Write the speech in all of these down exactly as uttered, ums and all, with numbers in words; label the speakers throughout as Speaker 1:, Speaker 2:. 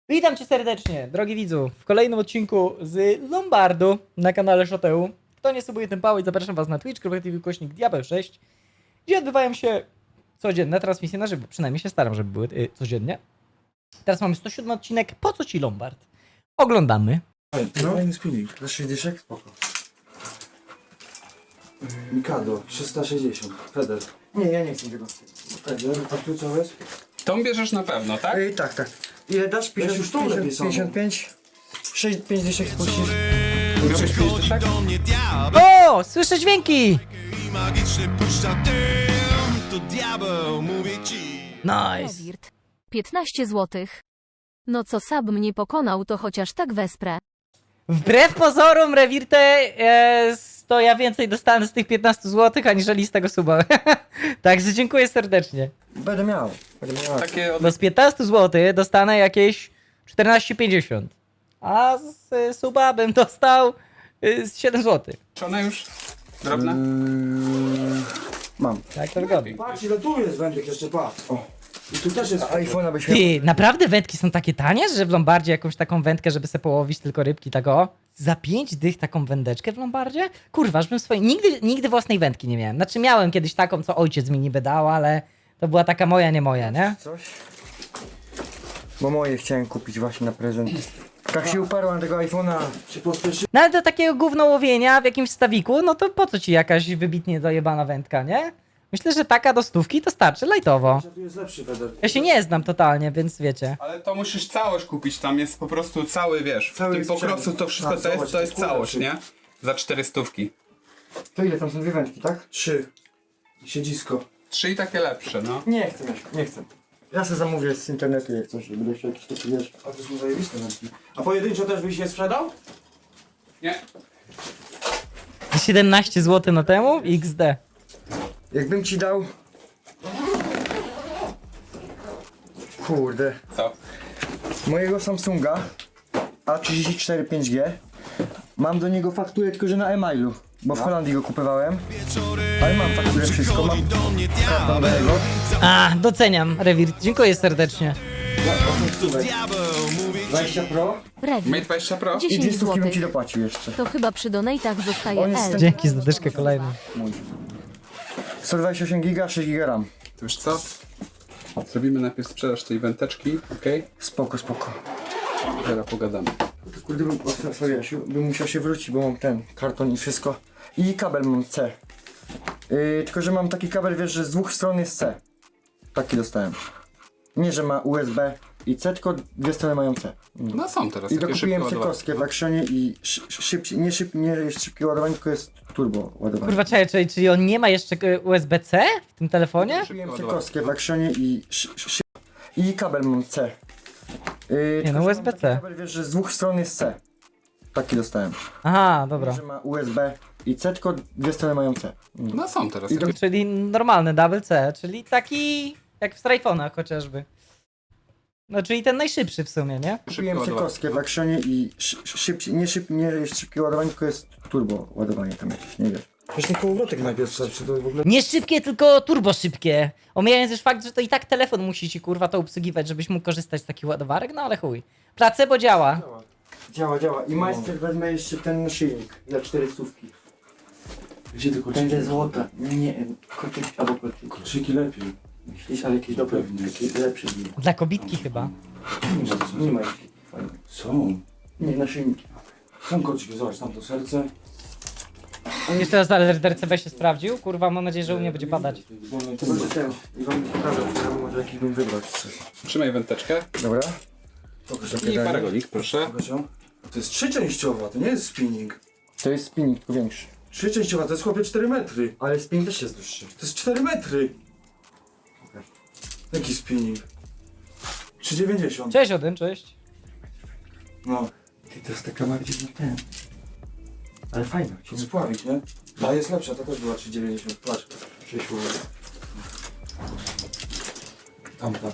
Speaker 1: Witam cię serdecznie, drogi widzu, w kolejnym odcinku z Lombardu na kanale Shoteu. Kto nie subuje ten pałeć, zapraszam was na Twitch kropka T V kośnik Diabeł sześć, gdzie odbywają się codzienne transmisje na żywo. Przynajmniej się staram, żeby były y, codziennie. Teraz mamy sto siódmy odcinek. Po co ci Lombard? Oglądamy.
Speaker 2: No. Fajny spinning. Za sześć dyszek? Spoko. Mikado, trzysta sześćdziesiąt. Feder.
Speaker 3: Nie, ja nie chcę tego.
Speaker 2: Feder, a tu co jest?
Speaker 4: Tą bierzesz na pewno, tak?
Speaker 3: Ej, tak, tak. Ile dasz?
Speaker 2: Weź już tą lepiej samą.
Speaker 3: pięćdziesiąt pięć? sześć, pięć dyszek spuścisz.
Speaker 4: Miałbyś pięć dyszek?
Speaker 1: O, słyszę dźwięki!
Speaker 5: Magiczny puszcza dym, to diabeł mówi ci.
Speaker 1: Nice.
Speaker 6: Rewirt. piętnaście złotych. No co Sab mnie pokonał, to chociaż tak wesprę.
Speaker 1: Wbrew pozorom, Rewirte, e, to ja więcej dostałem z tych piętnastu złotych, aniżeli z tego suba. Także dziękuję serdecznie.
Speaker 3: Będę miał. Będę miał.
Speaker 4: Takie od...
Speaker 1: No z piętnastu złotych dostanę jakieś czternaście pięćdziesiąt. A z y, suba bym dostał y, z siedem złotych.
Speaker 4: Czy one już drobne?
Speaker 3: Mm, mam.
Speaker 1: Tak to wygląda.
Speaker 2: Patrz ile tu jest wędek jeszcze, patrz. O. I tu też jest
Speaker 3: A
Speaker 2: Feder.
Speaker 3: iPhone'a byś miał.
Speaker 1: Ty, naprawdę wędki są takie tanie, że w Lombardzie jakąś taką wędkę, żeby sobie połowić tylko rybki, tak o? Za pięć dych taką wędeczkę w Lombardzie? Kurwa, aż bym swojej... Nigdy, nigdy własnej wędki nie miałem. Znaczy miałem kiedyś taką, co ojciec mi niby dał, ale to była taka moja, nie moja, nie?
Speaker 3: Coś? Bo moje chciałem kupić właśnie na prezent. Tak się uparłem na tego iPhone'a.
Speaker 2: Się pospieszy.
Speaker 1: No ale do takiego gówno łowienia w jakimś stawiku, no to po co ci jakaś wybitnie dojebana wędka, nie? Myślę, że taka do stówki to starczy, lajtowo.
Speaker 2: Tu jest lepszy Feder.
Speaker 1: Ja się nie znam totalnie, więc wiecie.
Speaker 4: Ale to musisz całość kupić, tam jest po prostu cały, wiesz,
Speaker 3: Cały
Speaker 4: w tym po
Speaker 3: sprzęt.
Speaker 4: prostu to wszystko
Speaker 2: A,
Speaker 4: to jest,
Speaker 2: zobacz,
Speaker 4: to jest
Speaker 2: to jest
Speaker 4: całość,
Speaker 2: kurwa,
Speaker 4: nie? Za cztery stówki.
Speaker 3: To ile tam są dwie wędki, tak?
Speaker 2: Trzy. I siedzisko.
Speaker 4: Trzy i takie lepsze, no.
Speaker 3: Nie chcę, Mieszko, nie chcę. Ja sobie zamówię z internetu jak coś, żeby jeszcze jakieś takie wiesz.
Speaker 2: A to są zajebiste wędki. A pojedynczo też byś je sprzedał?
Speaker 4: Nie?
Speaker 1: siedemnaście złotych na temu? iks de.
Speaker 3: Jakbym ci dał... Kurde.
Speaker 4: Co?
Speaker 3: Mojego Samsunga A trzydzieści cztery pięć G. Mam do niego fakturę, tylko że na e-mailu. Bo w Holandii go kupowałem. Ale mam fakturę, wszystko. Mam kartę do niego.
Speaker 1: A, doceniam, Rewirt. Dziękuję serdecznie.
Speaker 3: dwadzieścia Pro
Speaker 4: Mate
Speaker 6: Rewirt.
Speaker 4: dwadzieścia Pro?
Speaker 3: i dwie
Speaker 6: dziesięć
Speaker 3: stówki bym ci
Speaker 6: złotych.
Speaker 3: dopłacił jeszcze.
Speaker 6: To chyba przy donatach zostaje
Speaker 3: On jest
Speaker 6: L.
Speaker 3: ten-
Speaker 1: Dzięki za dyszkę kolejną.
Speaker 3: Mój. sto dwadzieścia osiem giga, sześć giga RAM.
Speaker 4: To wiesz co? Zrobimy najpierw sprzedaż tej wędeczki, okej?
Speaker 3: Spoko, spoko.
Speaker 4: Teraz pogadamy.
Speaker 3: Kurde, bym, o, sorry, Jasiu, bym musiał się wrócić, bo mam ten karton i wszystko. I kabel mam C. Yy, tylko, że mam taki kabel, wiesz, że z dwóch stron jest C. Taki dostałem. Nie, że ma U S B i C, tylko dwie strony mają C. Mm.
Speaker 4: No są teraz
Speaker 3: I
Speaker 4: takie
Speaker 3: dokupiłem
Speaker 4: szybkie ładowarki.
Speaker 3: cykowskie w Actionie i szy, szybciej, nie, szyb, nie jest szybkie ładowanie, tylko jest turbo ładowanie.
Speaker 1: Kurwa, czekaj, czyli, czyli on nie ma jeszcze y, U S B C w tym telefonie?
Speaker 3: Kupiłem cykowskie w Actionie i szy, szy, i kabel mam C. Yy,
Speaker 1: Nie,
Speaker 3: tylko,
Speaker 1: no
Speaker 3: że
Speaker 1: U S B
Speaker 3: mam
Speaker 1: C.
Speaker 3: taki kabel, wiesz, że z dwóch stron jest C. Taki dostałem.
Speaker 1: Aha, dobra.
Speaker 3: Że ma U S B i C, tylko dwie strony mają C. Mm.
Speaker 4: No są teraz
Speaker 3: I
Speaker 4: takie...
Speaker 1: Czyli normalny double C, czyli taki jak w Strajfonach chociażby. No, czyli ten najszybszy w sumie, nie?
Speaker 4: szybkie
Speaker 3: Kupiłem
Speaker 4: ładowarki.
Speaker 3: cykowskie w Actionie i szy, szybciej, nie, szyb, nie jest szybkie ładowanie, tylko jest turbo ładowanie tam jakieś, nie wiesz.
Speaker 2: Weź mi kołowrotek najpierw wstać, czy to w ogóle...
Speaker 1: Nie szybkie, tylko turbo szybkie. Omijając już fakt, że to i tak telefon musi ci kurwa to obsługiwać, żebyś mógł korzystać z takich ładowarek, no ale chuj. Pracę, bo działa.
Speaker 3: Działa, działa. I majster wezmę jeszcze ten naszyjnik za cztery stówki.
Speaker 2: Gdzie ty kolczyki?
Speaker 3: Będzie złota. Nie, nie, kotyk albo kotyk.
Speaker 2: Kolczyki lepiej.
Speaker 3: Myślisz, ale jakieś dobre,
Speaker 2: Pewnie.
Speaker 3: jakieś lepsze dni.
Speaker 1: Dla kobitki chyba.
Speaker 2: Nie ma to
Speaker 3: Nie
Speaker 2: są.
Speaker 3: ma jakieś fajne.
Speaker 2: Są.
Speaker 3: Nie, naszyjniki.
Speaker 2: Są kolczyki, zobacz, tam to serce.
Speaker 1: Jeszcze raz ale R C B się sprawdził. Kurwa, mam nadzieję, że u mnie będzie padać.
Speaker 3: To będzie ten. I wam pokażę, że może jakiś bym wybrać coś.
Speaker 4: Trzymaj wędeczkę
Speaker 3: Dobra?
Speaker 2: Pokaż
Speaker 4: i paragonik, proszę.
Speaker 2: Pokaż ją. To jest trzyczęściowa, to nie jest spinning.
Speaker 3: To jest spinning, tylko większy.
Speaker 2: Trzyczęściowa, to jest chłopie cztery metry.
Speaker 3: Ale spinning też jest dłuższy.
Speaker 2: To jest cztery metry. Jaki spinning? trzy dziewięćdziesiąt.
Speaker 1: Cześć Odyn, cześć.
Speaker 2: No,
Speaker 3: Ty, to jest taka bardziej na ten. Ale fajna.
Speaker 2: to spławić, nie? A jest lepsza, to też była trzy dziewięćdziesiąt. Patrz, przyszło. Tamta.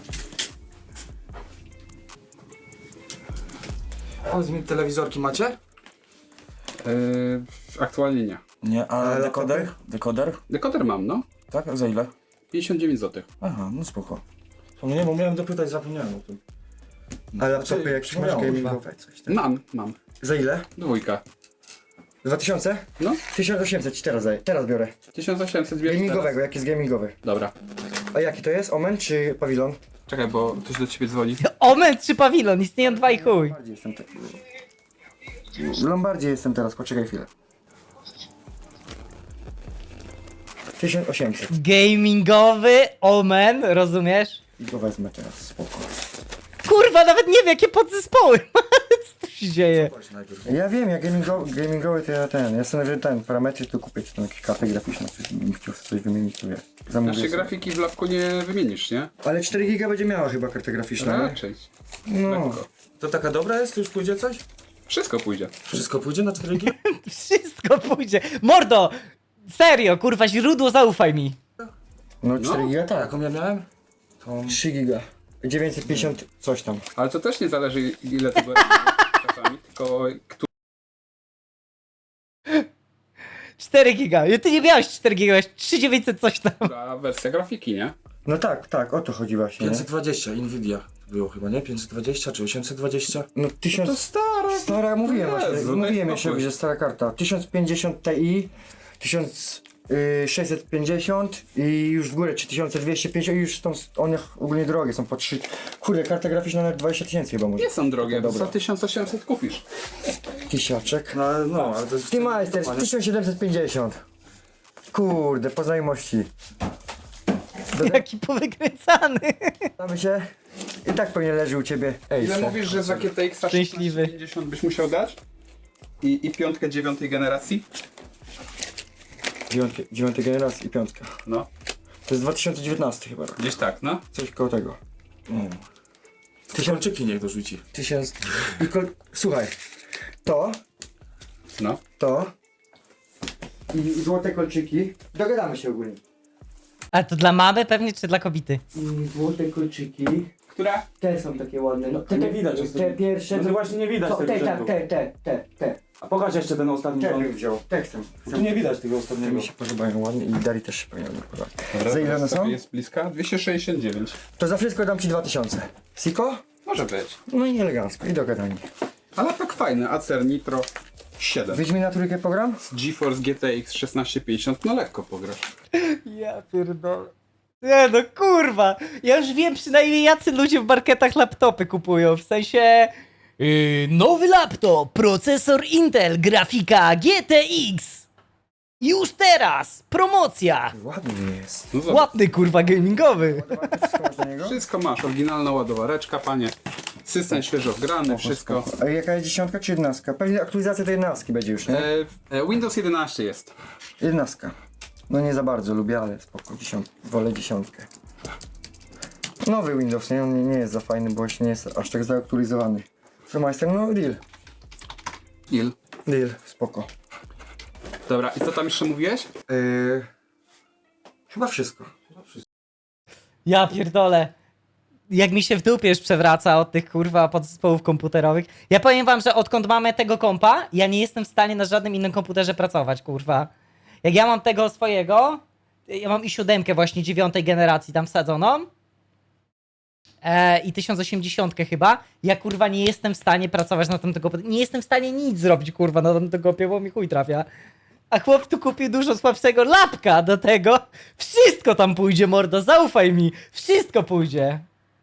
Speaker 2: Powiedz mi, telewizorki macie?
Speaker 4: Yy, aktualnie nie.
Speaker 2: Nie, a
Speaker 3: dekoder?
Speaker 2: Dekoder?
Speaker 4: Dekoder mam, no.
Speaker 2: Tak? A za ile?
Speaker 4: pięćdziesiąt dziewięć złotych.
Speaker 2: Aha, no spoko. To nie, bo miałem dopytać, zapomniałem o tym.
Speaker 3: A laptopy jakieś masz
Speaker 2: no,
Speaker 3: gamingowe, coś tam.
Speaker 4: Mam, mam.
Speaker 3: Za ile?
Speaker 4: Dwójka.
Speaker 3: dwa tysiące?
Speaker 4: No,
Speaker 3: tysiąc osiemset ci teraz daję, teraz biorę.
Speaker 4: tysiąc osiemset bierzesz
Speaker 3: Gamingowego,
Speaker 4: teraz?
Speaker 3: jaki jest gamingowy.
Speaker 4: Dobra.
Speaker 3: A jaki to jest? Omen czy pawilon?
Speaker 4: Czekaj, bo ktoś do ciebie dzwoni.
Speaker 1: Omen czy pawilon? Istnieją dwa i chuj.
Speaker 3: Bardziej jestem taki. W Lombardzie jestem teraz, poczekaj chwilę. tysiąc osiemset.
Speaker 1: Gamingowy Omen, rozumiesz?
Speaker 3: I go wezmę teraz, spoko.
Speaker 1: Kurwa, nawet nie wiem jakie podzespoły. Co tu się dzieje?
Speaker 2: Płać najpierw.
Speaker 3: Ja wiem, ja gamingo, gamingowy to ja ten, ja sobie ten parametry tu kupię, czy tam jakieś karty graficzne, czy bym chciał sobie coś wymienić, to wie. Zamówię
Speaker 4: Naszej
Speaker 3: sobie.
Speaker 4: grafiki w lapku nie wymienisz, nie?
Speaker 3: Ale cztery giga będzie miała chyba karta graficzna, nie?
Speaker 4: Raczej.
Speaker 3: No.
Speaker 4: Lekko.
Speaker 2: To taka dobra jest? To już pójdzie coś?
Speaker 4: Wszystko pójdzie.
Speaker 2: Wszystko pójdzie na cztery G?
Speaker 1: Wszystko pójdzie. Mordo! Serio, kurwa, źródło, zaufaj mi.
Speaker 3: No cztery giga tak.
Speaker 2: Jaką ja miałem? To...
Speaker 3: trzy giga. dziewięćset pięćdziesiąt coś tam.
Speaker 4: Ale to też nie zależy ile tego robisz czasami, tylko kto...
Speaker 1: cztery giga. Ty nie miałeś cztery giga, miałeś trzy tysiące dziewięćset coś tam.
Speaker 4: która wersja grafiki, nie?
Speaker 3: No tak, tak, o to chodzi właśnie, nie?
Speaker 2: pięćset dwadzieścia, Nvidia było chyba, nie? pięćset dwadzieścia czy osiemset dwadzieścia?
Speaker 3: No tysiąc...
Speaker 4: To stara.
Speaker 3: Stara, mówiłem właśnie,
Speaker 4: Jezu,
Speaker 3: mówiłem
Speaker 4: no i
Speaker 3: jeszcze,
Speaker 4: spokój.
Speaker 3: że stara karta. tysiąc pięćdziesiąt Ti, tysiąc sześćset pięćdziesiąt i już w górę trzy tysiące dwieście pięćdziesiąt i już są one ogólnie drogie, są po trzy. Kurde, karta graficzna nawet dwadzieścia tysięcy chyba może.
Speaker 4: Nie są drogie,
Speaker 3: Dobra.
Speaker 4: za tysiąc osiemset kupisz.
Speaker 3: Kisiaczek.
Speaker 2: No, ale- no, ale to jest...
Speaker 3: Team Meister tysiąc siedemset pięćdziesiąt. Kurde, po znajomości.
Speaker 1: Jaki powykręcany.
Speaker 3: Damy się. I tak pewnie leży u ciebie. Ej,
Speaker 4: Ile
Speaker 3: se.
Speaker 4: mówisz, że za G T X
Speaker 1: Szczęśliwy.
Speaker 4: pięćdziesiąt byś musiał dać? I, i piątkę dziewiątej generacji?
Speaker 3: Dziewiąty, dziewiątej generacji i piątka.
Speaker 4: No,
Speaker 3: To jest dwa tysiące dziewiętnasty chyba rok.
Speaker 4: gdzieś tak, no.
Speaker 3: Coś koło tego.
Speaker 2: Mm. Tysiączyki niech dorzuci.
Speaker 3: Tysiąc. I kol... Słuchaj. To,
Speaker 4: No.
Speaker 3: to i złote kolczyki. Dogadamy się ogólnie.
Speaker 1: A to dla mamy pewnie, czy dla kobiety?
Speaker 3: I złote kolczyki.
Speaker 4: Które?
Speaker 3: Te są takie ładne. No, te,
Speaker 2: nie widać, jest
Speaker 3: Te
Speaker 2: to-
Speaker 3: pierwsze.
Speaker 2: No to właśnie nie widać
Speaker 3: to,
Speaker 2: tego
Speaker 3: te, tak,
Speaker 2: rzędu.
Speaker 3: te, te, te, te.
Speaker 2: A pokaż jeszcze ten ostatni
Speaker 3: Te
Speaker 2: rząd.
Speaker 3: bym wziął. Te chcę.
Speaker 2: Tu nie widać tego
Speaker 3: Te
Speaker 2: ostatniego.
Speaker 3: mi się podobają ładnie i Dari też się powinien podobać.
Speaker 4: Dobra,
Speaker 3: Za ile one są?
Speaker 4: Jest bliska? dwieście sześćdziesiąt dziewięć.
Speaker 3: To za wszystko dam ci dwa tysiące. Siko?
Speaker 4: Może być.
Speaker 3: No i elegancko. I dogadanie.
Speaker 4: Ale tak fajny. Acer Nitro siedem.
Speaker 3: Wiedźmina trójkę program?
Speaker 4: GeForce G T X szesnaście pięćdziesiąt, no lekko pograsz.
Speaker 1: Ja pierdolę. Nie no kurwa, ja już wiem przynajmniej jacy ludzie w marketach laptopy kupują, w sensie... Yy, nowy laptop, procesor Intel, grafika G T X. Już teraz, promocja.
Speaker 3: Ładny jest.
Speaker 4: No zobacz.
Speaker 1: Ładny kurwa gamingowy.
Speaker 3: Wszystko masz do niego?
Speaker 4: Wszystko masz, oryginalna ładowareczka, panie. System świeżo wgrany, wszystko.
Speaker 3: A jaka jest dziesiątka czy jedenastka? Pewnie aktualizacja tej jedenastki będzie już, nie?
Speaker 4: E, e, Windows jedenaście jest.
Speaker 3: Jedenastka. No nie za bardzo lubię, ale spoko. Dziesiąt... Wolę dziesiątkę. Nowy Windows, nie? On nie, nie jest za fajny, bo jeszcze nie jest aż tak zaktualizowany. Co majster? No deal.
Speaker 4: Il.
Speaker 3: Deal, spoko.
Speaker 4: Dobra, i co tam jeszcze mówiłeś?
Speaker 3: Yy... Chyba wszystko.
Speaker 1: Ja pierdolę. Jak mi się w dupie już przewraca od tych kurwa podzespołów komputerowych. Ja powiem wam, że odkąd mamy tego kompa, ja nie jestem w stanie na żadnym innym komputerze pracować, kurwa. Jak ja mam tego swojego, ja mam i siódemkę właśnie dziewiątej generacji tam wsadzoną. E, I tysiąc osiemdziesiąt chyba. Ja kurwa nie jestem w stanie pracować na tym tego. Nie jestem w stanie nic zrobić kurwa na tym tego, bo mi chuj trafia. A chłop tu kupił dużo słabszego lapka do tego. Wszystko tam pójdzie, mordo, zaufaj mi. Wszystko pójdzie.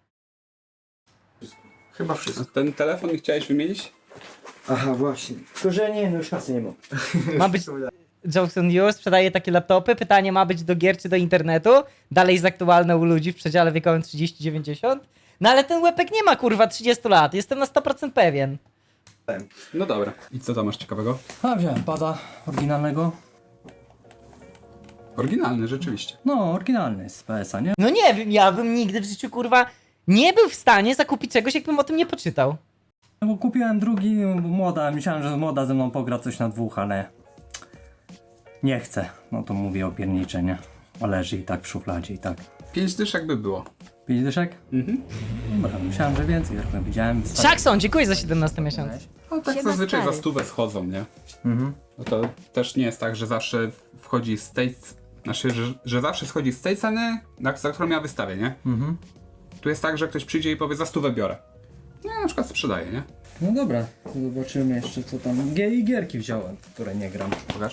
Speaker 3: Chyba
Speaker 4: A
Speaker 3: wszystko.
Speaker 4: ten telefon chciałeś wymienić?
Speaker 3: Aha, właśnie. Tylko, że nie, no już kasy nie mam.
Speaker 1: Ma być... Jackson News sprzedaje takie laptopy. Pytanie ma być do gier czy do internetu. Dalej jest aktualne u ludzi w przedziale wiekowym trzydzieści dziewięćdziesiąt. No ale ten łepek nie ma kurwa trzydzieści lat. Jestem na sto procent pewien.
Speaker 4: No dobra. I co tam masz ciekawego?
Speaker 7: A wziąłem pada oryginalnego.
Speaker 4: Oryginalny, rzeczywiście.
Speaker 7: No, oryginalny z P S a, nie?
Speaker 1: No nie wiem, ja bym nigdy w życiu kurwa nie był w stanie zakupić czegoś, jakbym o tym nie poczytał.
Speaker 7: No bo kupiłem drugi, młoda, myślałem, że młoda ze mną pogra coś na dwóch, ale nie chcę. No to mówię o piernicze, nie? A leży i tak w szufladzie i tak.
Speaker 4: Pięć dyszek by było.
Speaker 7: Pięć dyszek?
Speaker 4: Mhm.
Speaker 7: Dobra, myślałem, że więcej, jak widziałem.
Speaker 1: Jackson, dziękuję za siedemnasty miesiąc.
Speaker 4: No tak
Speaker 6: Siema,
Speaker 4: zazwyczaj
Speaker 6: stary.
Speaker 4: za stówę schodzą, nie?
Speaker 3: Mhm.
Speaker 4: No to też nie jest tak, że zawsze wchodzi z tej... Znaczy, że, że zawsze schodzi z tej ceny, na, za którą ja wystawię, nie?
Speaker 7: Mhm.
Speaker 4: Tu jest tak, że ktoś przyjdzie i powie za stówę biorę. No, na przykład sprzedaję, nie?
Speaker 7: No dobra, to zobaczymy jeszcze co tam. G i gierki wziąłem, w które nie gram.
Speaker 4: Pokaż.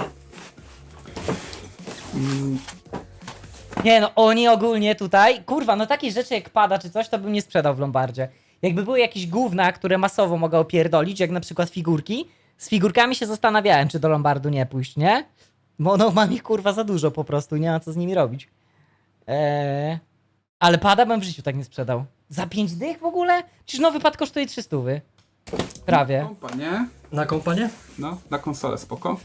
Speaker 1: Nie no, oni ogólnie tutaj, kurwa, no takie rzeczy jak pada czy coś, to bym nie sprzedał w Lombardzie. Jakby były jakieś gówna, które masowo mogę opierdolić, jak na przykład figurki, z figurkami się zastanawiałem, czy do Lombardu nie pójść, nie? Bo no mam ich kurwa za dużo po prostu, nie ma co z nimi robić. Eee... Ale pada bym w życiu tak nie sprzedał. Za pięć dych w ogóle? Przecież nowy pad kosztuje trzy stówy. Prawie.
Speaker 4: Kompa, nie?
Speaker 7: Na kompanie?
Speaker 4: No, na konsolę spoko.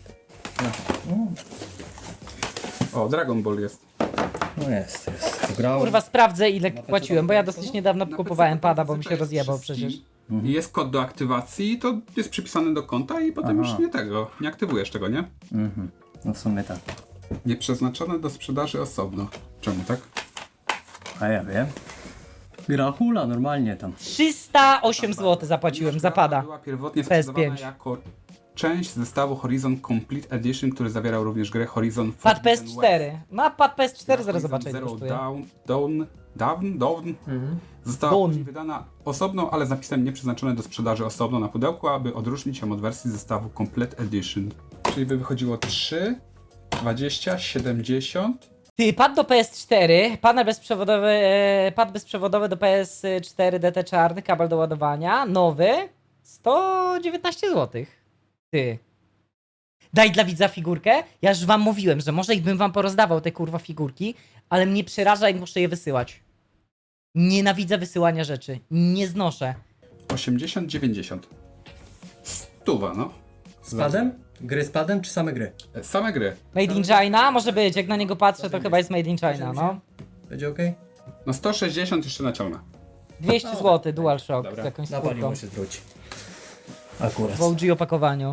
Speaker 4: O, Dragon Ball jest.
Speaker 7: No jest, jest. Tu grałem.
Speaker 1: Kurwa, sprawdzę ile płaciłem, bo ja dosyć niedawno
Speaker 4: Na
Speaker 1: kupowałem
Speaker 4: P C
Speaker 1: pada, bo mi
Speaker 4: to
Speaker 1: się
Speaker 4: jest
Speaker 1: rozjebał
Speaker 4: przez
Speaker 1: przecież.
Speaker 4: Steam. I jest kod do aktywacji, to jest przypisany do konta i potem
Speaker 7: Aha.
Speaker 4: już nie tego, nie aktywujesz tego, nie?
Speaker 7: Mhm. No w sumie tak.
Speaker 4: Nieprzeznaczone do sprzedaży osobno. Czemu tak?
Speaker 7: A ja wiem. Gra hula normalnie tam.
Speaker 1: trzysta osiem złotych zapłaciłem za pada.
Speaker 4: Była pierwotnie
Speaker 1: P S
Speaker 4: sprzedawana
Speaker 1: pięć.
Speaker 4: jako część zestawu Horizon Complete Edition, który zawierał również grę Horizon
Speaker 1: Pad P S
Speaker 4: Forbidden
Speaker 1: cztery. Ma pad P S cztery,
Speaker 4: West.
Speaker 1: zaraz
Speaker 4: Horizon
Speaker 1: zobaczę ile
Speaker 4: Zero
Speaker 1: kosztuje.
Speaker 4: Dawn, Dawn, Dawn, Dawn została
Speaker 1: Dawn.
Speaker 4: później wydana osobno, ale z napisem nieprzeznaczone do sprzedaży osobno na pudełku, aby odróżnić ją od wersji zestawu Complete Edition. Czyli by wychodziło trzy, dwadzieścia, siedemdziesiąt.
Speaker 1: Ty, pad do P S cztery, panel bezprzewodowy, e, pad bezprzewodowy do P S cztery D T czarny, kabel do ładowania, nowy, sto dziewiętnaście złotych. Ty. Daj dla widza figurkę? Ja już wam mówiłem, że może i bym wam porozdawał te kurwa figurki, ale mnie przeraża, jak muszę je wysyłać. Nienawidzę wysyłania rzeczy. Nie znoszę.
Speaker 4: osiemdziesiąt, dziewięćdziesiąt. Stuwa, no.
Speaker 7: Z padem? Gry z padem czy same gry?
Speaker 4: E, Same gry.
Speaker 1: Made in China? Może być, jak na niego patrzę, to chyba jest Made in China, no.
Speaker 7: Będzie okej?
Speaker 4: No sto sześćdziesiąt jeszcze naciągnę.
Speaker 1: dwieście złotych DualShock
Speaker 4: Dobra.
Speaker 1: z jakąś
Speaker 7: Na
Speaker 1: skórką.
Speaker 7: paliwo się zwróci. Akurat.
Speaker 1: W O G opakowaniu.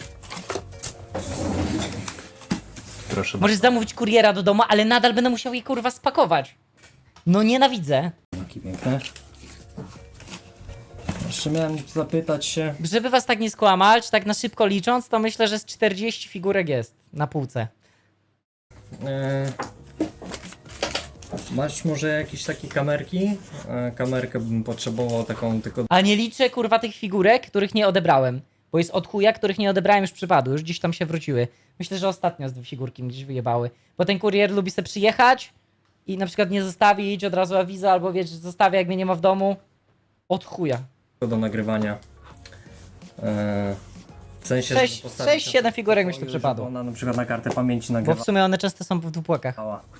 Speaker 4: Proszę
Speaker 1: Możesz zamówić kuriera do domu, ale nadal będę musiał je kurwa spakować. No nienawidzę.
Speaker 7: Jakie piękne. Jeszcze miałem zapytać się.
Speaker 1: Żeby was tak nie skłamać, tak na szybko licząc, to myślę, że z czterdzieści figurek jest na półce.
Speaker 7: E, masz może jakieś takie kamerki? E, kamerkę bym potrzebował taką tylko.
Speaker 1: A nie liczę kurwa tych figurek, których nie odebrałem. Bo jest od chuja, których nie odebrałem już przypadku, już gdzieś tam się wróciły. Myślę, że ostatnio z dwie figurki mi gdzieś wyjebały. Bo ten kurier lubi sobie przyjechać i na przykład nie zostawić od razu awiza, albo wiesz, zostawia jak mnie nie ma w domu. Od chuja.
Speaker 7: do nagrywania. E, w sensie. żeby
Speaker 1: Sześć,
Speaker 7: postawić
Speaker 1: sześć,
Speaker 7: na
Speaker 1: siedem figurek mi się
Speaker 7: pokoju,
Speaker 1: to przypadło.
Speaker 7: żeby Ona na przykład na kartę pamięci
Speaker 1: Bo
Speaker 7: nagrywa.
Speaker 1: w sumie one często są w dwupłakach.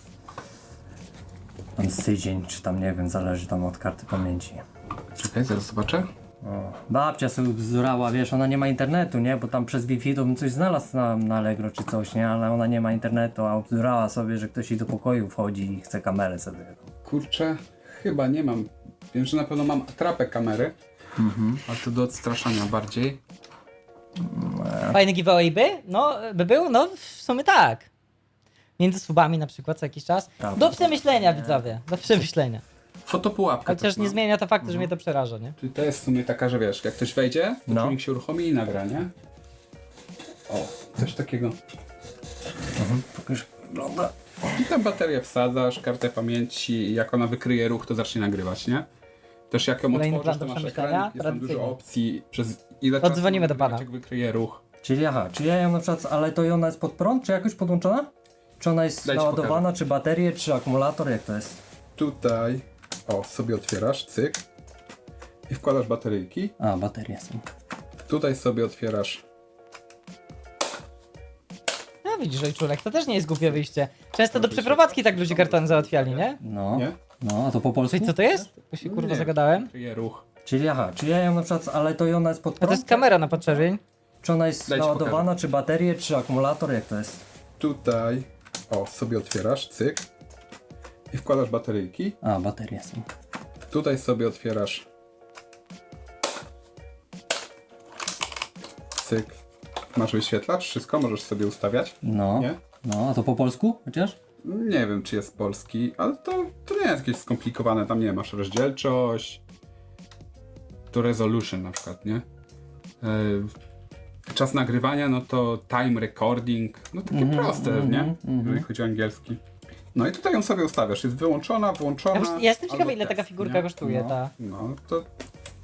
Speaker 7: Tam z tydzień, czy tam nie wiem, zależy tam od karty pamięci.
Speaker 4: Czekaj, zaraz zobaczę.
Speaker 7: O, babcia sobie bzdurała, wiesz, ona nie ma internetu, nie? Bo tam przez Wi-Fi to bym coś znalazł na, na Allegro czy coś, nie? Ale ona nie ma internetu, a bzdurała sobie, że ktoś jej do pokoju wchodzi i chce kamerę sobie.
Speaker 4: Kurczę, chyba nie mam. Wiem, że na pewno mam atrapę kamery. Ale to do odstraszania bardziej.
Speaker 1: Fajny giveaway by? No, by był? No, w sumie tak. Między subami na przykład co jakiś czas.
Speaker 7: Prawda.
Speaker 1: Do przemyślenia, widzowie. Do przemyślenia.
Speaker 4: Fotopułapkę.
Speaker 1: Chociaż
Speaker 4: też
Speaker 1: nie
Speaker 4: mam.
Speaker 1: zmienia to faktu, że mnie to przeraża, nie?
Speaker 4: Czyli to jest w sumie taka, że wiesz, jak ktoś wejdzie, to
Speaker 7: No.
Speaker 4: człowiek się uruchomi i nagra, nie? O, coś takiego.
Speaker 7: Pokaż, wygląda.
Speaker 4: I tam baterię wsadzasz, kartę pamięci i jak ona wykryje ruch, to zacznie nagrywać, nie? Też jak ją
Speaker 1: Kolejny
Speaker 4: otworzysz,
Speaker 1: plan
Speaker 4: to
Speaker 1: do
Speaker 4: masz
Speaker 1: przemyślenia?
Speaker 4: ekran, jest tam dużo
Speaker 1: Tradycyjnie.
Speaker 4: opcji, przez ile
Speaker 1: Odzwonimy
Speaker 4: czasu
Speaker 1: do pana.
Speaker 4: jak wykryje ruch.
Speaker 7: Czyli aha, czy ja ją na przykład, ale to i ona jest pod prąd, czy jakoś podłączona? Czy ona jest
Speaker 4: Daj ci
Speaker 7: naładowana, czy baterie, czy akumulator, jak to jest?
Speaker 4: Tutaj, o, sobie otwierasz, cyk. I wkładasz bateryjki.
Speaker 7: A, baterie są.
Speaker 4: Tutaj sobie otwierasz.
Speaker 1: No widzisz, ojczulek, to też nie jest głupie wyjście. Często do przeprowadzki tak ludzie kartony załatwiali, nie?
Speaker 7: No,
Speaker 4: Nie?
Speaker 7: no, a to po polsku?
Speaker 1: Czyli co to jest? Bo się kurwa
Speaker 4: Nie.
Speaker 1: zagadałem.
Speaker 4: Wykryje ruch.
Speaker 7: Czyli aha, czy ja ją na przykład, ale to i ona jest pod
Speaker 1: A
Speaker 7: prąd?
Speaker 1: to jest kamera na podczerwień.
Speaker 7: Czy ona jest
Speaker 4: Daj ci
Speaker 7: naładowana, czy baterie, czy akumulator, jak to jest?
Speaker 4: Tutaj, o, sobie otwierasz, cyk. I wkładasz bateryjki.
Speaker 7: A, baterie są.
Speaker 4: Tutaj sobie otwierasz. Cyk. Masz wyświetlacz, wszystko możesz sobie ustawiać.
Speaker 7: No,
Speaker 4: Nie?
Speaker 7: no, a to po polsku chociaż?
Speaker 4: Nie wiem, czy jest polski, ale to, to nie jest jakieś skomplikowane. Tam nie masz rozdzielczość. To resolution na przykład, nie? Yy, czas nagrywania, no to time recording. No takie
Speaker 7: Mhm,
Speaker 4: proste,
Speaker 7: mhm,
Speaker 4: nie?
Speaker 7: mhm.
Speaker 4: Jeżeli chodzi o angielski. No i tutaj ją sobie ustawiasz. Jest wyłączona, włączona.
Speaker 1: Ja, już- ja jestem ciekawy,
Speaker 4: albo
Speaker 1: ile taka
Speaker 4: test,
Speaker 1: figurka
Speaker 4: nie?
Speaker 1: kosztuje,
Speaker 7: No.
Speaker 1: ta.
Speaker 4: No to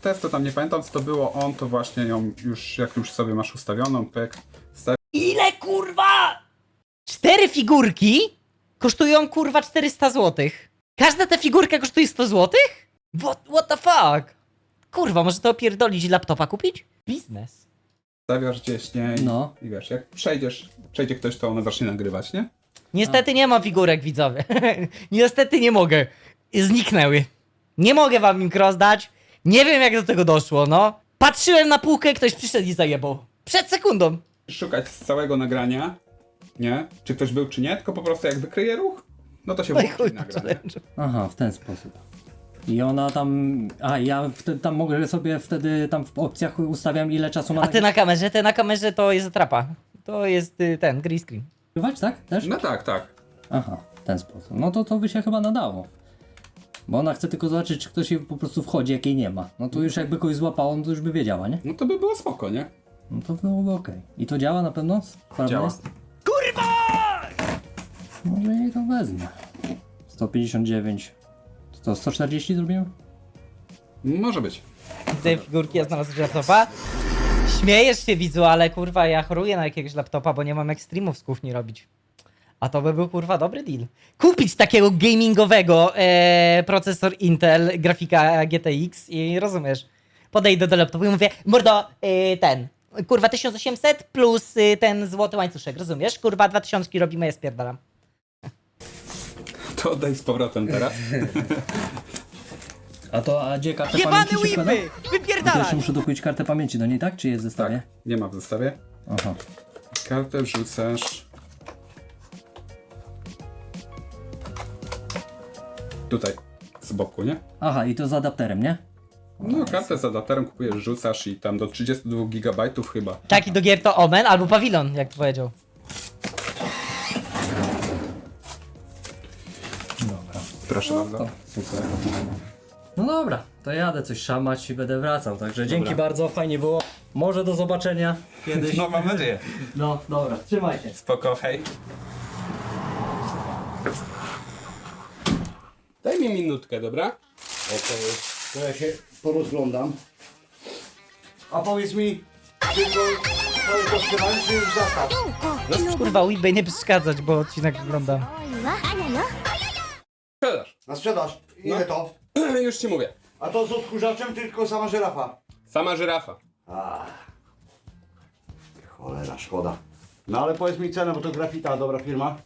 Speaker 4: test, to tam nie pamiętam co to było, on to właśnie ją już, jak już sobie masz ustawioną, pyk, stawiasz
Speaker 1: Ile kurwa? Cztery figurki kosztują kurwa czterysta złotych. Każda ta figurka kosztuje sto złotych? What, what the fuck? Kurwa, może to opierdolić i laptopa kupić? Biznes.
Speaker 4: stawiasz gdzieś, nie? I,
Speaker 7: No.
Speaker 4: I wiesz, jak przejdziesz, przejdzie ktoś, to ona zacznie nagrywać, nie?
Speaker 1: Niestety nie mam figurek, widzowie. Niestety nie mogę. Zniknęły. Nie mogę wam im rozdać. Nie wiem jak do tego doszło, no. Patrzyłem na półkę, ktoś przyszedł i zajebał. Przed sekundą.
Speaker 4: Szukać z całego nagrania, nie? Czy ktoś był, czy nie, tylko po prostu jak wykryje ruch, no to się
Speaker 1: No i
Speaker 4: włączy
Speaker 1: chuj
Speaker 4: i
Speaker 1: po
Speaker 4: nagra, nie?
Speaker 1: challenge'u.
Speaker 7: Aha, w ten sposób. I ona tam... A, ja wtedy tam mogę sobie wtedy tam w opcjach ustawiam ile czasu ma
Speaker 1: A ty na kamerze, ty na kamerze to jest atrapa. To jest y, ten, green screen.
Speaker 7: nagrywać, tak? Też?
Speaker 4: No tak, tak.
Speaker 7: Aha, w ten sposób. No to to by się chyba nadało. Bo ona chce tylko zobaczyć, czy ktoś jej po prostu wchodzi, jak jej nie ma. No to już jakby kogoś złapało, no to już by wiedziała, nie?
Speaker 4: No to by było spoko, nie?
Speaker 7: No to byłoby okej. I to działa na pewno? Sprawne
Speaker 4: Działa.
Speaker 7: jest? Kurwa! Może jej to wezmę. sto pięćdziesiąt dziewięć. To sto czterdzieści zrobimy?
Speaker 4: Może być.
Speaker 1: Te figurki ja znalazłem laptopa. Śmiejesz się, widzu, ale kurwa ja choruję na jakiegoś laptopa, bo nie mam jak streamów z kuchni robić. A to by był kurwa dobry deal. Kupić takiego gamingowego e, procesor Intel, grafika G T X i rozumiesz. Podejdę do laptopu i mówię, mordo, e, ten, kurwa tysiąc osiemset plus e, ten złoty łańcuszek, rozumiesz? Kurwa dwa tysiące robimy, ja spierdalam.
Speaker 4: To oddaj z powrotem teraz.
Speaker 7: A to, a gdzie kartę
Speaker 1: Jebane
Speaker 7: pamięci się wkłada?
Speaker 1: whipy!
Speaker 7: To
Speaker 1: Wypierdalaj!
Speaker 7: jeszcze muszę dokupić kartę pamięci do niej, tak? Czy jest w zestawie?
Speaker 4: Tak, nie ma w zestawie.
Speaker 7: Aha.
Speaker 4: Kartę wrzucasz... Tutaj, z boku, nie?
Speaker 7: Aha, i to z adapterem, nie?
Speaker 4: No, kartę z adapterem kupujesz, rzucasz i tam do trzydziestu dwóch gigabajtów chyba.
Speaker 1: Taki do gier to Omen albo Pawilon, jak to powiedział.
Speaker 7: Dobra.
Speaker 4: Proszę bardzo.
Speaker 7: To super. No dobra, to jadę coś szamać i będę wracał. Także dzięki
Speaker 4: Dobra.
Speaker 7: bardzo, fajnie było. Może do zobaczenia kiedyś.
Speaker 4: No, mam nadzieję.
Speaker 7: No dobra, trzymaj się.
Speaker 4: Spoko, hej. Daj mi minutkę, dobra?
Speaker 8: Okej, to ja się porozglądam. A powiedz mi, tylko to jest doskonale, czy już zastaw?
Speaker 1: Kurwa, whipy nie przeszkadzać, bo odcinek wygląda.
Speaker 4: Sprzedaż.
Speaker 8: Na sprzedaż. Ile
Speaker 4: No.
Speaker 8: to?
Speaker 4: Już ci mówię.
Speaker 8: A to z odkurzaczem, tylko sama żyrafa.
Speaker 4: Sama żyrafa.
Speaker 8: Cholera, szkoda. No ale powiedz mi cenę, bo to Grafita, dobra firma.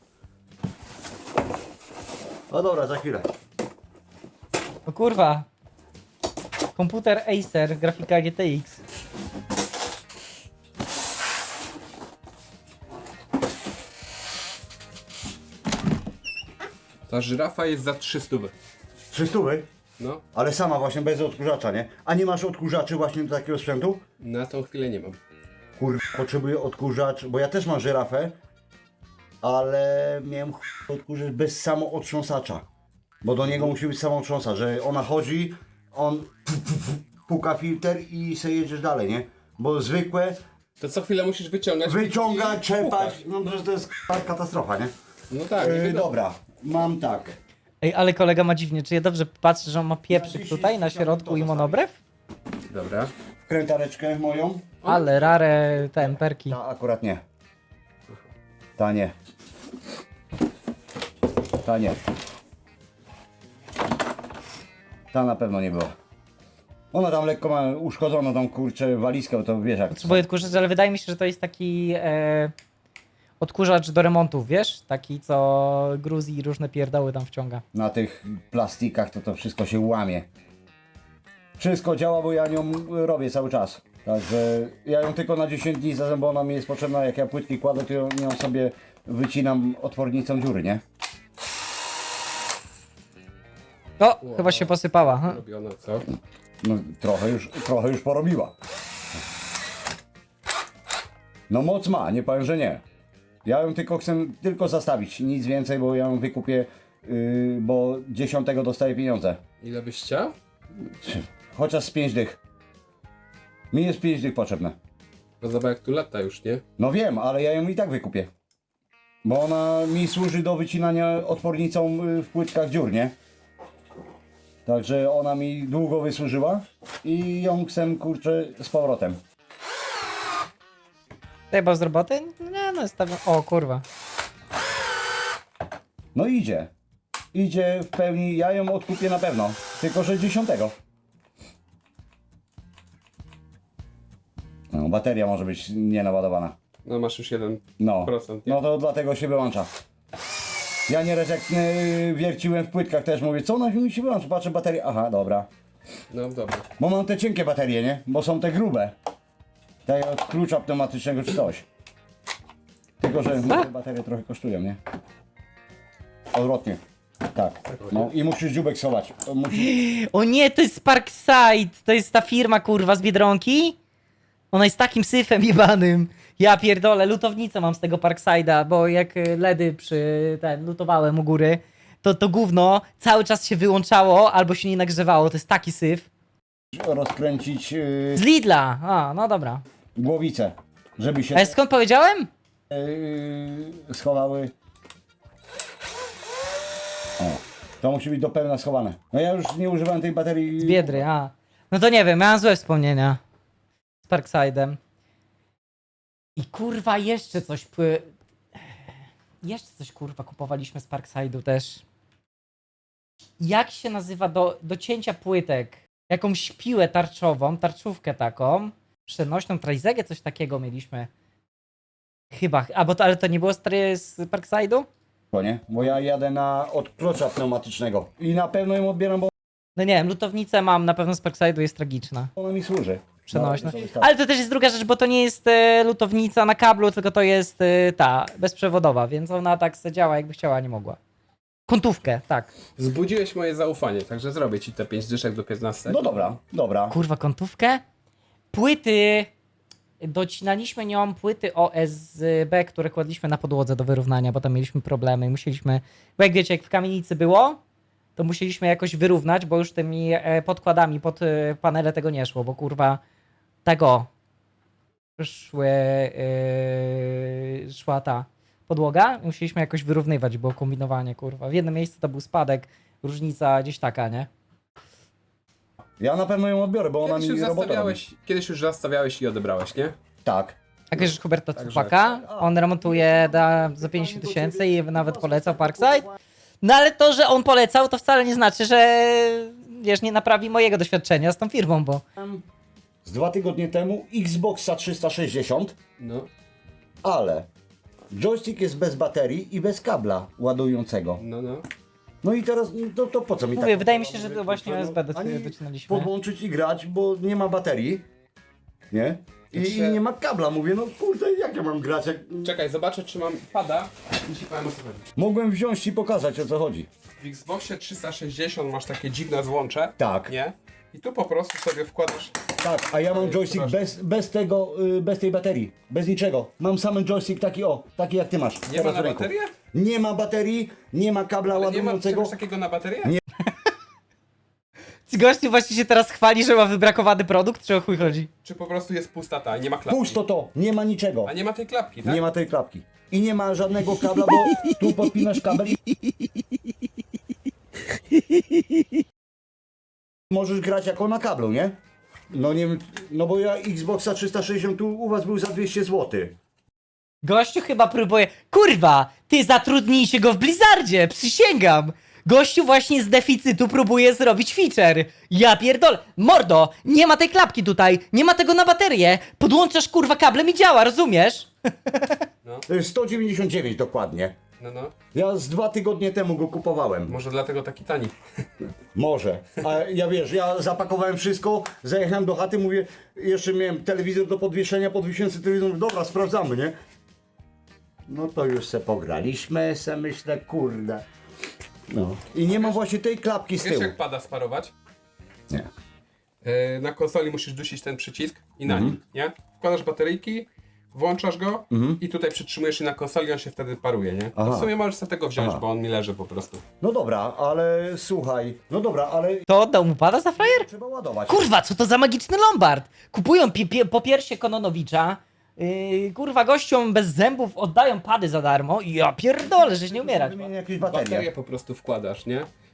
Speaker 8: No dobra, za chwilę.
Speaker 1: O kurwa. Komputer Acer, grafika G T X.
Speaker 4: Ta żyrafa jest za trzysta.
Speaker 8: trzysta?
Speaker 4: No,
Speaker 8: Ale sama właśnie, bez odkurzacza, nie? A nie masz odkurzaczy właśnie do takiego sprzętu?
Speaker 4: na tą chwilę nie mam.
Speaker 8: Kur... potrzebuję odkurzacz, bo ja też mam żyrafę, ale miałem ch- odkurzacz bez samootrząsacza. Bo do niego musi być samootrząsacz, że ona chodzi, on puka filtr i se jedziesz dalej, nie? Bo zwykłe
Speaker 4: To co chwilę musisz wyciągać.
Speaker 8: wyciągać,
Speaker 4: i
Speaker 8: czepać,
Speaker 4: pukać.
Speaker 8: no że to jest k- katastrofa, nie?
Speaker 4: No tak, nie
Speaker 8: Yy,
Speaker 4: wiadomo.
Speaker 8: dobra, mam tak.
Speaker 1: Ej, ale kolega ma dziwnie, czy ja dobrze patrzę, że on ma pieprzyk
Speaker 8: dziesięć
Speaker 1: tutaj na środku i monobrew?
Speaker 4: Dobra.
Speaker 8: Krętareczkę moją.
Speaker 1: Ale rare ten, perki.
Speaker 8: Ta akurat nie. Ta nie. Ta nie. Ta na pewno nie była. Ona tam lekko ma uszkodzoną tą kurczę walizkę, to wiesz jak.
Speaker 1: Potrzebuję odkurzacz, ale wydaje mi się, że to jest taki e, odkurzacz do remontów, wiesz? Taki, co gruz i różne pierdoły tam wciąga.
Speaker 8: Na tych plastikach to to wszystko się łamie. Wszystko działa, bo ja nią robię cały czas. Także ja ją tylko na dziesięć dni zatem, bo ona mi jest potrzebna. Jak ja płytki kładę, to ją, ją sobie wycinam otwornicą dziury, nie?
Speaker 1: O, chyba się posypała. Hm.
Speaker 4: Robiona, co?
Speaker 8: No trochę już, trochę już porobiła. No moc ma, nie powiem, że nie. Ja ją tylko chcę tylko zastawić, nic więcej, bo ja ją wykupię, yy, bo dziesiątego dostaję pieniądze.
Speaker 4: Ile byś chciał?
Speaker 8: Chociaż z pięć dych. Mi jest pięć dych potrzebne.
Speaker 4: No zobacz jak tu lata już, nie?
Speaker 8: No wiem, ale ja ją i tak wykupię. Bo ona mi służy do wycinania otwornicą y, w płytkach dziur, nie? Także ona mi długo wysłużyła i ją chcę, kurczę, z powrotem.
Speaker 1: Chyba z roboty? Nie, no jest tam... O kurwa.
Speaker 8: No idzie. Idzie w pełni, ja ją odkupię na pewno. Tylko że dziesiątego. No, bateria może być nienaładowana.
Speaker 4: No masz już jeden
Speaker 8: No,
Speaker 4: procent, nie?
Speaker 8: no to dlatego się wyłącza. Ja nieraz jak yy, wierciłem w płytkach też mówię, co ona mi się wyłącza, patrzę baterię, aha, dobra.
Speaker 4: No dobra.
Speaker 8: Bo mam te cienkie baterie, nie? Bo są te grube. Te od klucza pneumatycznego czy coś. Tylko, że te baterie trochę kosztują, nie? Odwrotnie. Tak. No i musisz dziubek schować. To Musisz...
Speaker 1: O nie, to jest Parkside! To jest ta firma kurwa z Biedronki? Ona jest takim syfem jebanym. Ja pierdolę, lutownicę mam z tego Parkside'a, bo jak y, ledy przy ten lutowałem u góry, to to gówno cały czas się wyłączało albo się nie nagrzewało. To jest taki syf.
Speaker 8: rozkręcić yy,
Speaker 1: Z Lidla! A, no dobra.
Speaker 8: głowicę, żeby się
Speaker 1: A skąd powiedziałem?
Speaker 8: yy, schowały. O, to musi być do pełna schowane. No ja już nie używałem tej baterii.
Speaker 1: Z Biedry, a. No to nie wiem, miałem złe wspomnienia z Parkside'em. I kurwa jeszcze coś pły... Jeszcze coś kurwa kupowaliśmy z Parkside'u też. Jak się nazywa do, do cięcia płytek? Jakąś piłę tarczową, tarczówkę taką. Przenośną trizegę, coś takiego mieliśmy. Chyba, a bo to, ale to nie było stary z Parkside'u?
Speaker 8: To nie? Bo ja jadę na od klocza pneumatycznego. I na pewno ją odbieram, bo
Speaker 1: No nie wiem, lutownicę mam, na pewno z Parkside'u jest tragiczna.
Speaker 8: ona mi służy.
Speaker 1: Przenośna.
Speaker 8: No,
Speaker 1: Ale to też jest druga rzecz, bo to nie jest e, lutownica na kablu, tylko to jest e, ta, bezprzewodowa, więc ona tak se działa jakby chciała, a nie mogła. Kątówkę, tak.
Speaker 4: Zbudziłeś moje zaufanie, także zrobię ci te pięć dyszek do piętnastu.
Speaker 8: No dobra, dobra.
Speaker 1: Kurwa, kątówkę? Płyty, docinaliśmy nią płyty O S B, które kładliśmy na podłodze do wyrównania, bo tam mieliśmy problemy i musieliśmy, bo jak wiecie, jak w kamienicy było, to musieliśmy jakoś wyrównać, bo już tymi e, podkładami pod e, panele tego nie szło, bo kurwa tego szły, yy, szła ta podłoga i musieliśmy jakoś wyrównywać, było kombinowanie, kurwa. W jednym miejscu to był spadek, różnica gdzieś taka, nie?
Speaker 8: Ja na pewno ją odbiorę, bo ona
Speaker 4: Kiedyś
Speaker 8: mi
Speaker 4: już,
Speaker 8: robotę robi.
Speaker 4: zastawiałeś, kiedyś już zastawiałeś i odebrałeś, nie?
Speaker 8: Tak.
Speaker 1: A kojarzysz Huberta
Speaker 4: Także-
Speaker 1: Cupaka? On remontuje da, za pięćdziesiąt tysięcy i nawet polecał Parkside. No ale to, że on polecał, to wcale nie znaczy, że wiesz, nie naprawi mojego doświadczenia z tą firmą, bo
Speaker 8: Z dwa tygodnie temu Xboxa trzysta sześćdziesiąt,
Speaker 4: No.
Speaker 8: ale joystick jest bez baterii i bez kabla ładującego.
Speaker 4: No, no.
Speaker 8: No i teraz, no to, to po co mi
Speaker 1: mówię,
Speaker 8: tak?
Speaker 1: wydaje mi się, że to właśnie
Speaker 8: No,
Speaker 1: U S B do-
Speaker 8: ani
Speaker 1: docinaliśmy.
Speaker 8: podłączyć i grać, bo nie ma baterii, nie? I,
Speaker 4: Jeszcze-
Speaker 8: I nie ma kabla. Mówię, no kurde, jak ja mam grać? Jak...
Speaker 4: Czekaj, zobaczę czy mam pada i ci powiem o co chodzi.
Speaker 8: Mogłem wziąć i pokazać, o co chodzi.
Speaker 4: W Xboxie trzysta sześćdziesiąt masz takie dziwne złącze.
Speaker 8: Tak.
Speaker 4: Nie? I tu po prostu sobie wkładasz.
Speaker 8: Tak, a ja mam joystick
Speaker 4: Proszę.
Speaker 8: bez, bez tego, y, bez tej baterii, bez niczego. Mam sam joystick taki o, taki jak ty masz.
Speaker 4: Nie ma
Speaker 8: teraz
Speaker 4: na
Speaker 8: w ręku.
Speaker 4: baterię?
Speaker 8: Nie ma baterii, nie ma kabla
Speaker 4: Ale nie ma
Speaker 8: ładującego.
Speaker 4: czegoś takiego na baterię?
Speaker 8: Nie.
Speaker 1: Gościu właśnie się teraz chwali, że ma wybrakowany produkt, czy o chuj chodzi?
Speaker 4: Czy po prostu jest pusta ta, nie ma klapki?
Speaker 8: Pusto to, nie ma niczego.
Speaker 4: A nie ma tej klapki, tak?
Speaker 8: Nie ma tej klapki. I nie ma żadnego kabla, bo tu podpinasz kabel i... Możesz grać jako na kablu, nie? No nie wiem, no bo ja Xboxa trzysta sześćdziesiąt tu u was był za dwieście złotych.
Speaker 1: Gościu chyba próbuje... Kurwa! Ty zatrudnijcie go w Blizzardzie! Przysięgam! Gościu właśnie z deficytu próbuje zrobić feature. Ja pierdolę. Mordo! Nie ma tej klapki tutaj! Nie ma tego na baterię! Podłączasz kurwa kablem i działa, rozumiesz?
Speaker 8: To jest sto dziewięćdziesiąt dziewięć dokładnie.
Speaker 4: No, no.
Speaker 8: Ja z dwa tygodnie temu go kupowałem.
Speaker 4: Może dlatego taki tani.
Speaker 8: Może. A ja wiesz, ja zapakowałem wszystko, zajechałem do chaty, mówię, jeszcze miałem telewizor do podwieszenia, podwiesiłem sobie telewizor, mówię, dobra, sprawdzamy, nie? No to już se pograliśmy, se myślę, kurde. No. I nie ma właśnie tej klapki z
Speaker 4: Wiesz
Speaker 8: tyłu.
Speaker 4: jak pada sparować?
Speaker 8: Nie.
Speaker 4: Yy, na konsoli musisz dusić ten przycisk i na
Speaker 8: Mhm.
Speaker 4: nim, nie? Wkładasz bateryjki, włączasz go i tutaj przytrzymujesz i na konsoli on się wtedy paruje, nie?
Speaker 8: Aha.
Speaker 4: To w sumie możesz sobie tego wziąć,
Speaker 8: Aha.
Speaker 4: bo on mi leży po prostu.
Speaker 8: No dobra, ale słuchaj, no dobra, ale
Speaker 1: To oddał mu pada za frajer?
Speaker 8: trzeba ładować.
Speaker 1: Kurwa, co to za magiczny Lombard? Kupują pi- pi- po piersie Kononowicza, yy, kurwa gościom bez zębów oddają pady za darmo i ja pierdolę, żeś nie umierać.
Speaker 8: Wymienię jakieś
Speaker 4: Baterię
Speaker 8: baterie.
Speaker 4: po prostu wkładasz, nie?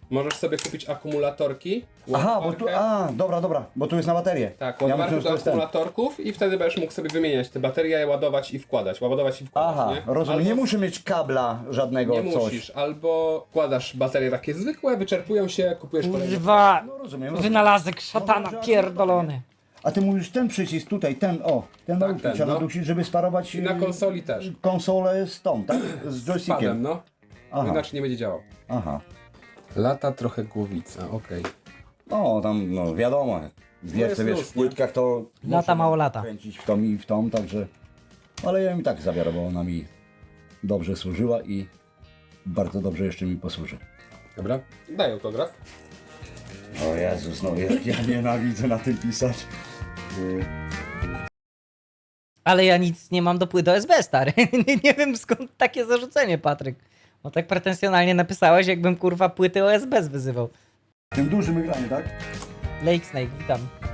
Speaker 9: możesz sobie kupić akumulatorki.
Speaker 8: Aha, bo tu,
Speaker 9: ładowarkę.
Speaker 8: a, dobra, dobra, bo tu jest na baterię.
Speaker 9: Tak,
Speaker 8: ja
Speaker 9: ładowarkę
Speaker 8: myślę, że
Speaker 9: do
Speaker 8: to jest ten.
Speaker 9: akumulatorków i wtedy będziesz mógł sobie wymieniać te baterie, ładować i wkładać, ładować i wkładać,
Speaker 8: Aha,
Speaker 9: nie?
Speaker 8: rozumiem,
Speaker 9: Albo
Speaker 8: nie muszę mieć kabla żadnego,
Speaker 9: Nie
Speaker 8: coś.
Speaker 9: musisz, albo wkładasz baterie takie zwykłe, wyczerpują się, kupujesz kolejne.
Speaker 1: Kurwa,
Speaker 8: No rozumiem, rozumiem.
Speaker 1: wynalazek szatana
Speaker 8: Może, że
Speaker 1: pierdolony.
Speaker 8: A ty mówisz ten przycisk tutaj, ten, o, ten malutki
Speaker 9: ten,
Speaker 8: trzeba
Speaker 9: no.
Speaker 8: nadusić, żeby sparować
Speaker 9: I na
Speaker 8: y,
Speaker 9: konsoli też.
Speaker 8: konsolę z tą, tak? Z
Speaker 9: Z padem,
Speaker 8: joystickiem.
Speaker 9: no.
Speaker 8: Aha,
Speaker 9: Inaczej nie będzie działał.
Speaker 8: aha.
Speaker 9: Lata trochę głowica, okej.
Speaker 8: No, tam, no wiadomo, wiesz,
Speaker 9: jest
Speaker 8: wiesz,
Speaker 9: luz,
Speaker 8: w płytkach to...
Speaker 1: Lata,
Speaker 8: muszę
Speaker 1: mało lata.
Speaker 8: Kręcić w tą i w tą, także... Ale ja mi tak zabiorę, bo ona mi dobrze służyła i bardzo dobrze jeszcze mi posłuży.
Speaker 9: Dobra, daj autograf.
Speaker 8: O Jezus, no jak ja nienawidzę na tym pisać. Y,
Speaker 1: Ale ja nic nie mam do płyt O S B, stary. nie, nie wiem skąd takie zarzucenie, Patryk. Bo tak pretensjonalnie napisałeś, jakbym kurwa płyty O S B wyzywał.
Speaker 8: Tym dużym ekranie, tak?
Speaker 1: Lake Snake, witam.